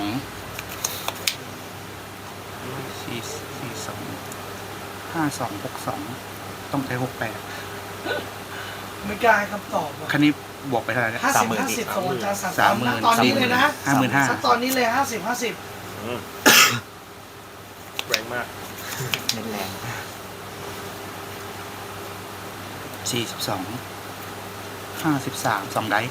[SPEAKER 2] สี่สี่สองห้าสองหกสองต้องใช้หกแปด
[SPEAKER 4] ไม่กล้าให้คำตอบว่ะ
[SPEAKER 2] คันนี้บวกไปเท่าไหร่เนี่ย
[SPEAKER 4] ห้าสิบห้าสิบส่งวันจันทร์สาม
[SPEAKER 2] สามหมื่น
[SPEAKER 4] ตอนนี้เลยนะ
[SPEAKER 2] ห้าหมื่นห้า
[SPEAKER 4] สักตอนนี้เลยห้าสิบห้าสิบ
[SPEAKER 5] อืมแรงมาก
[SPEAKER 3] เน้นแรง
[SPEAKER 2] สี่สิบสองห้าสิบสามสองไดส์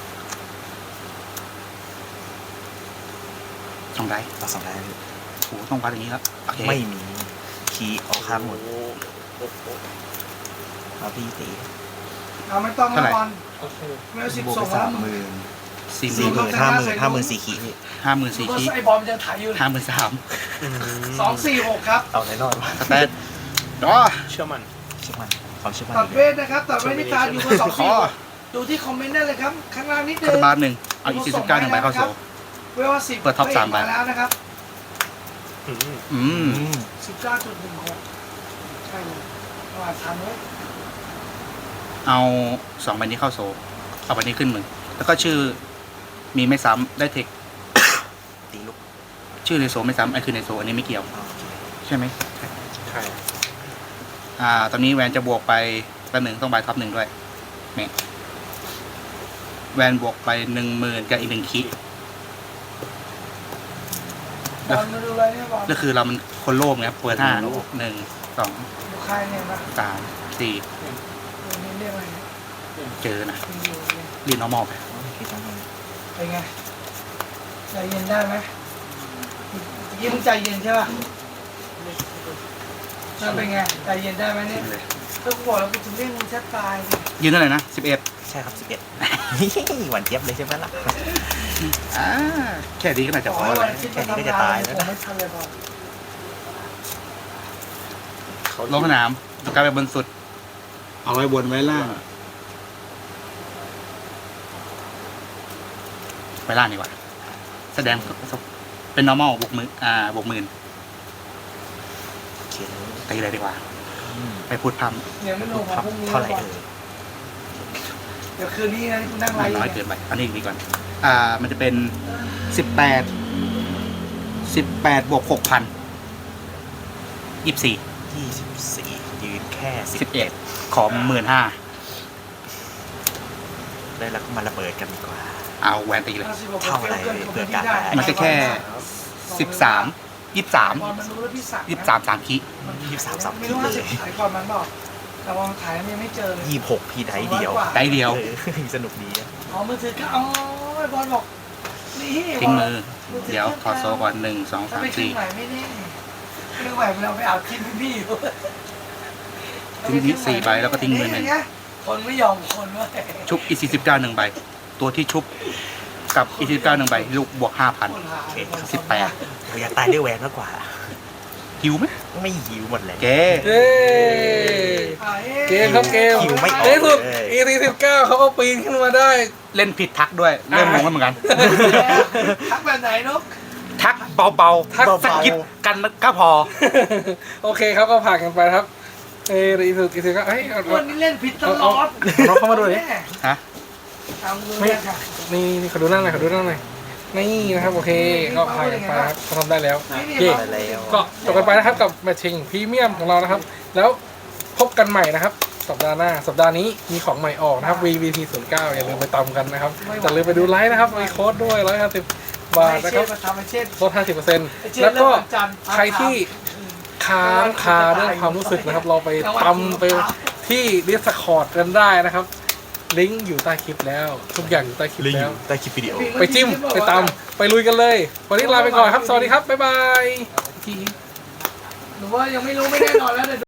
[SPEAKER 2] สองไดส์
[SPEAKER 3] เราสองได้พี่
[SPEAKER 2] โอ้โหต้องวัดอย่างนี้ครับโอเค
[SPEAKER 3] ไม่มีคีย์ออกข้างหมด
[SPEAKER 5] โอ้โอ้โห
[SPEAKER 3] เอาพี่ตี
[SPEAKER 4] เอาไม่ต้องนะบอลไม่เอาสิบบ
[SPEAKER 3] วก
[SPEAKER 4] ส่
[SPEAKER 3] ไป
[SPEAKER 4] งแล้
[SPEAKER 3] สาว มหมื่น
[SPEAKER 2] สี่ห
[SPEAKER 3] สี่
[SPEAKER 2] มื่น
[SPEAKER 3] หมื่นห้าหมื่นห้าหมื่นสี่คีย์พี่
[SPEAKER 2] ห้าหมื่นสี่
[SPEAKER 4] ก็
[SPEAKER 2] คี
[SPEAKER 4] ไอ้บอลมันยังถ่ายอยู่
[SPEAKER 2] ห้าหมื่นสาม
[SPEAKER 4] สองสี่หกครับ
[SPEAKER 3] เอาแน่นอนว่า
[SPEAKER 2] สเตตอ๋อ
[SPEAKER 5] เชื่อมัน
[SPEAKER 3] เชื่อมันความเชื่อมั่น
[SPEAKER 4] ตัดเวทนะครับตัดเวทนิทานอยู่บนสอง
[SPEAKER 2] ข
[SPEAKER 4] สี่
[SPEAKER 2] อ
[SPEAKER 4] หกดูที่คอมเมนต์ได้เลยครับ ข้างล่างนิดนึ
[SPEAKER 2] คาต
[SPEAKER 4] ง
[SPEAKER 2] บาลหนึ่งเอาอีกสี่สิบเก้าหนึ่งใบเข้าโซ่
[SPEAKER 4] เวลาสิบ
[SPEAKER 2] เปิดท็อปสามใบ
[SPEAKER 4] แล้วนะครับ
[SPEAKER 5] อืม
[SPEAKER 2] อื
[SPEAKER 3] อื
[SPEAKER 2] ม
[SPEAKER 3] ม
[SPEAKER 4] สิบเก้าจุดหนึ่งหกใช่เลยประมาณทันเลย
[SPEAKER 2] เอาสองใบนี้เข้าโซ่เอาใบนี้ขึ้นมือแล้วก็ชื่อมีไม่ซ้ำได้เทค
[SPEAKER 3] ตีลุก
[SPEAKER 2] ชื่อในโซ่ไม่ซ้ำไอ้คือในโซ่อันนี้ไม่เกี่ยว
[SPEAKER 3] เอาโอเค
[SPEAKER 2] ใช่ไหม
[SPEAKER 5] ใช่
[SPEAKER 2] อ่า ตอนนี้แวนจะบวกไปแป๊บหนึ่งต้องใบท็อปหนึ่งด้วยเนี่ยแวนบวกไปหนึ่งหมื่นกับอีกหนึ่งคิ
[SPEAKER 4] บอลมาดูอะไรเนี่ยบอล
[SPEAKER 2] ก็คือเรามันคนโลภไงครับเปิดห้าหนึ่งสอง
[SPEAKER 4] ดูใครเนี่ยนะ
[SPEAKER 2] สามสี่
[SPEAKER 4] ดูนี่เรียกอะไรเนี่ย
[SPEAKER 2] เจอนะ
[SPEAKER 4] มีอยู่เนี่ย
[SPEAKER 2] เรียนน้องมอไป
[SPEAKER 3] โอเคจัง
[SPEAKER 4] เป็นไงใจเย็นได้ไหมเมื่อกี้มึงใจเย็นใช่ป่ะนั่นเป็นไงใจเย็นได้ไหมเนี่ยถ้ากูบอกแล้วกูจะเล่นมึงแทบตายดิ
[SPEAKER 2] ยืนเท่าไหร่นะสิบเอ็ด
[SPEAKER 3] ใช่ครับสิบเอ็ด หวานเจี๊ยบเลยใช่ไหมล่ะ
[SPEAKER 2] อ่าแค่นี้ก็น่าจะพอ
[SPEAKER 4] ให้
[SPEAKER 2] แล้
[SPEAKER 4] วั
[SPEAKER 2] วน
[SPEAKER 4] อาทิตย์มาทำงานผมไม่ทันเลยพอ
[SPEAKER 5] เขา
[SPEAKER 2] ลงสนามตัวกลายไปบนสุด เอาไว้บนไว้ล่างไปล่างดีกว่า แสดงเป็น normal บวกมืออ่าบวกหมื่น
[SPEAKER 3] เขียน
[SPEAKER 2] ตีเลยดีกว่า ไปพูดพร่
[SPEAKER 4] เนี่ยไม่ลงของพวกนี้
[SPEAKER 3] เท่าไหร่เอ่ย
[SPEAKER 4] เดี๋ยวคืนนี้นะกูนั่ง
[SPEAKER 2] ำ
[SPEAKER 4] ไล
[SPEAKER 2] มัน
[SPEAKER 4] ฟ์
[SPEAKER 2] น้อยเกินไปอันนี้ดีก่อน อ่า มันจะเป็นสิบแปดสิบแปดบวกหกพันยี่สิบสี่
[SPEAKER 3] ยี่สิบสี่ยืนแค่สิ
[SPEAKER 2] สิ
[SPEAKER 3] บบ
[SPEAKER 2] เอ็ดขอหมื่นห้า
[SPEAKER 3] ได้แล้วก็มาระเบิดกันดีกว่า
[SPEAKER 2] เอาแหวนตีเลย
[SPEAKER 3] เท่าไหร่เผื่อกันได้
[SPEAKER 2] มันก็แค่สิบสามยี่สิบสาม
[SPEAKER 4] มันรู้แล้วพี่สั่ง
[SPEAKER 2] ยี่สิบสามสามคิ
[SPEAKER 3] ยี่สิบสามสาม
[SPEAKER 4] ไม่รู้ว่าจะขายก่อนมันบอกแต่ว่ามันขายมันยังไม่เจอเลย
[SPEAKER 3] ยี่สิบหกพี่ได้เดียว
[SPEAKER 2] ได้เดียว
[SPEAKER 3] เออสนุกดีอะ
[SPEAKER 4] อ๋อมือถือก็อ๋อไอ้บอลบอกนี่
[SPEAKER 2] ทิ้งมือ เดี๋ยวถอดโซ่ก่อนหนึ่งสอง
[SPEAKER 4] ถ้า
[SPEAKER 2] สาม
[SPEAKER 4] ไปขึ้น
[SPEAKER 2] สี่
[SPEAKER 4] ใหม่ไม่แน่ไม่ได้ไหวมันเอาไปเอาทิ้งพี่อยู่
[SPEAKER 2] ทิ้งที่สี่ใบแล้วก็ทิ้งมือหนึ่ง
[SPEAKER 4] คนไม่ยอมคนเว้ย
[SPEAKER 2] ชุบอีซีสิบเก้าหนึ่งใบ ตัวที่ชุบกับอีซีสิบเก้าหนึ่งใบ ลูกบวกห้าพัน
[SPEAKER 4] คนหา
[SPEAKER 3] โอเคครับ
[SPEAKER 2] สิบแปด
[SPEAKER 3] เราอยากตายด้วยแหวนมากกว่า
[SPEAKER 2] หิวไหม
[SPEAKER 3] ไม่หิวหมดเลย
[SPEAKER 2] เก
[SPEAKER 1] เย้
[SPEAKER 4] อ่ะอ๊ะ
[SPEAKER 1] เกมครับเกม
[SPEAKER 3] คิวไม่ออก
[SPEAKER 1] ในที่สุด
[SPEAKER 3] เลย
[SPEAKER 1] อี ซี สิบเก้าเขาก็ปีนขึ้นมาได้
[SPEAKER 2] เล่นผิดทักด้วย เริ่มงงแล้วเหมือนกัน
[SPEAKER 4] ทักแบบไหนนก
[SPEAKER 2] ทักเบาๆทักสะกิดกันก็พอ
[SPEAKER 1] โอเคครับก็ผ่านกันไปครับ เอออีสุอีสุก็เฮ้ยเอา
[SPEAKER 4] วันนี้เล่นผิดตลอด
[SPEAKER 1] เอาเข้ามาดูดิ
[SPEAKER 2] ฮะ
[SPEAKER 4] เอามือเนี่ยค่ะ
[SPEAKER 1] นี่นี่ขอดูหน้าหน่อยขอดูหน้าหน่อยนี่นะครับโอเคก็ผ่านกันไปครับเขาทำได้แล้ว
[SPEAKER 4] นี่
[SPEAKER 1] เย่
[SPEAKER 3] ได้แล้ว
[SPEAKER 1] ก็จบกันไปนะครับกับแมทชิงพรีเมียมของเรานะครับ แล้วพบกันใหม่นะครับ สัปดาห์หน้าสัปดาห์นี้มีของใหม่ออกนะครับ วี วี ที ศูนย์เก้า อย่าลืมไปตามกันนะครับอย่าลืมไปดูไลฟ์นะครับมีโค้ดด้วยหนึ่งร้อยห้าสิบบาทนะครับ
[SPEAKER 4] มาทำไอเช่น
[SPEAKER 1] ลด ห้าสิบเปอร์เซ็นต์
[SPEAKER 4] ไอเช่น
[SPEAKER 1] แล้วก็
[SPEAKER 4] เริ่มวันจันทร์
[SPEAKER 1] ใครที่ค้างคาเรื่องความรู้สึกนะครับ เราไปตำไปที่ Discord กันได้นะครับ ลิงก์อยู่ใต้คลิปแล้ว ทุกอย่างอยู่ใต้คลิป
[SPEAKER 3] ลิงก์
[SPEAKER 1] แล้
[SPEAKER 3] อ
[SPEAKER 1] ว
[SPEAKER 3] ยู่ใต้คลิปวิดีโอ
[SPEAKER 1] ไปจิ้ม ไปตำไปลุยกันเลย วันนี้ลาไปก่อนครับ สวัสดีครับ บ๊ายบาย
[SPEAKER 4] หรือว่ายังไม่รู้ไม่แน่นอนแล้วเดี๋ยว